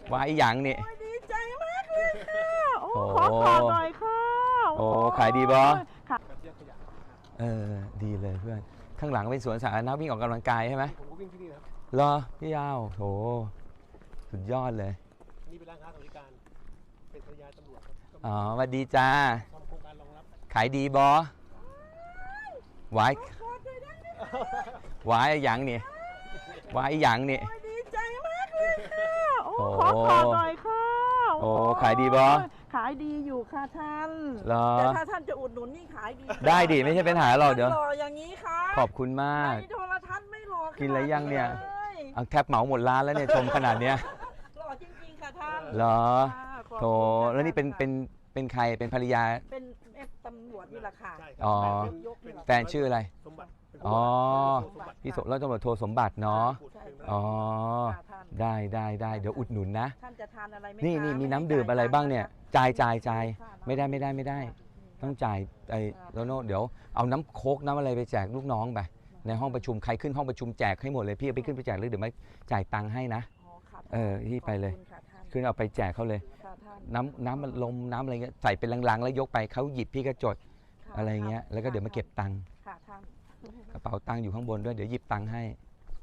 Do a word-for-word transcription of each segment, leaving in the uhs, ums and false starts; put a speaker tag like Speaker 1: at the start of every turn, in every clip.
Speaker 1: วายอย่างนี่
Speaker 2: ดีใจมากเลยค่ะโอ้ขอขอหน่อยค่ะ
Speaker 1: โอ้ขายดีบอ
Speaker 2: ค่ะ
Speaker 1: เออดีเลยเพื่อนข้างหลังเป็นสวนสาธารณะวิ่งออกกำลังกายใช่ไหมผมก็วิ่งที่นี่ครับเหรอพี่ยาวโถสุดยอดเลย
Speaker 3: นี่เป็นร้านค้าสวัสดิการเป็นภรรยาตำรวจ
Speaker 1: อ๋อสวัสดีจ้าขายดีบอวายวายอย่างนี่วายอย่างนี่
Speaker 2: ดีใจมากเลยค่ะโอ้ขอขอหน่อยค่ะ
Speaker 1: โอ้ขายดีบอ
Speaker 2: ขายดีอยู่ค่ะท่าน
Speaker 1: แต่
Speaker 2: ถ้าท่านจะอุดหนุนนี่ขายดี
Speaker 1: ได้ดิไม่ใช่เป็นหาหรอกเดี๋ยว
Speaker 2: รออย่างนี้ค่ะ
Speaker 1: ขอบคุณมาก
Speaker 2: ในโทรทัศน์ไม่รอ
Speaker 1: กินอะไรยังเนี่ยเอาแทบเหมาหมดร้านแล้วเนี่ยชมขนาดเนี้ย
Speaker 2: รอจริงๆค่ะท่าน
Speaker 1: เหรอโถแล้วนี่เป็นเป็นเป็นใครเป็นภรรยา
Speaker 2: เป็นตำรวจนี่แหละค่ะ
Speaker 1: อ๋อแฟนชื่ออะไรอ๋อพี่สมแล้วตำรวจโทสมบัติเนาะอ๋อได้ได้ได้เดี๋ยวอุดหนุนนะ
Speaker 2: ท่านจะทานอะไรไหม
Speaker 1: นี่นี่มีน้ำดื่มอะไรบ้างเนี่ยจ่ายจ่ายจ่ายไม่ได้ไม่ได้ไม่ได้ต้องจ่ายไอ้โลโน่เดี๋ยวเอาน้ำโค้กน้ำอะไรไปแจกลูกน้องไปในห้องประชุมใครขึ้นห้องประชุมแจกให้หมดเลยพี่เอาไปขึ้นไปแจกเลยเดี๋ยวไม่จ่ายตังค์ให้นะเออที่ไปเลยขึ้นเอาไปแจกเขาเลยน้ำน้ำมันลมน้ำอะไรเงี้ยใส่เป็นลังๆแล้วยกไปเขาหยิบพี่ก็จดอะไรเงี้ยแล้วก็เดี๋ยวมาเก็บตังค์กระเป๋าตังค์อยู่ข้างบนด้วยเดี๋ยวหยิบตังค์ให้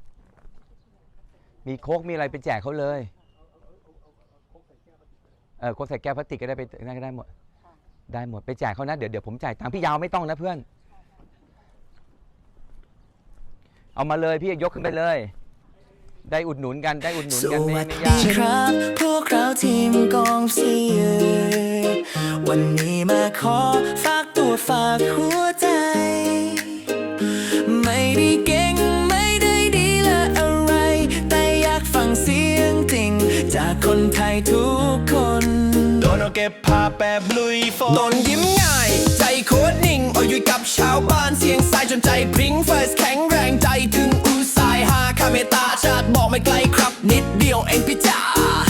Speaker 1: มีโค้กมีอะไรไปแจกเขาเลยเออโค้กใส่แก้วพลาสติกก็ได้ไปนั่นก็ได้หมดได้หมดไปแจกเขานะเดี๋ยวเดี๋ยวผมจ่ายตังค์พี่ยาวไม่ต้องนะเพื่อนเอามาเลยพี่ยกขึ้นไปเลยได้อุดหนุนกันได้อุดหนุนกันไม่ไม่ยาก
Speaker 4: ครับพวกเราทีมกองเชียร์วันนี้มาขอฝากตัวฝากหัวใจไม่ได้เก่งไม่ได้ดีและอะไรแต่อยากฟังเสียงจริงจากคนไทยทุกคนโดนเอาเก็บภาพแบบลุยฝนโดนยิ้มง่ายใจโคตรนิ่งเอาอยู่กับชาวบ้านเสียงสายจนใจพริ้งเฟิร์สแข็งแรงใจถึงอุตสายหาคาเมตาชาติบอกไม่ไกลครับนิดเดียวเองพี่จ๋า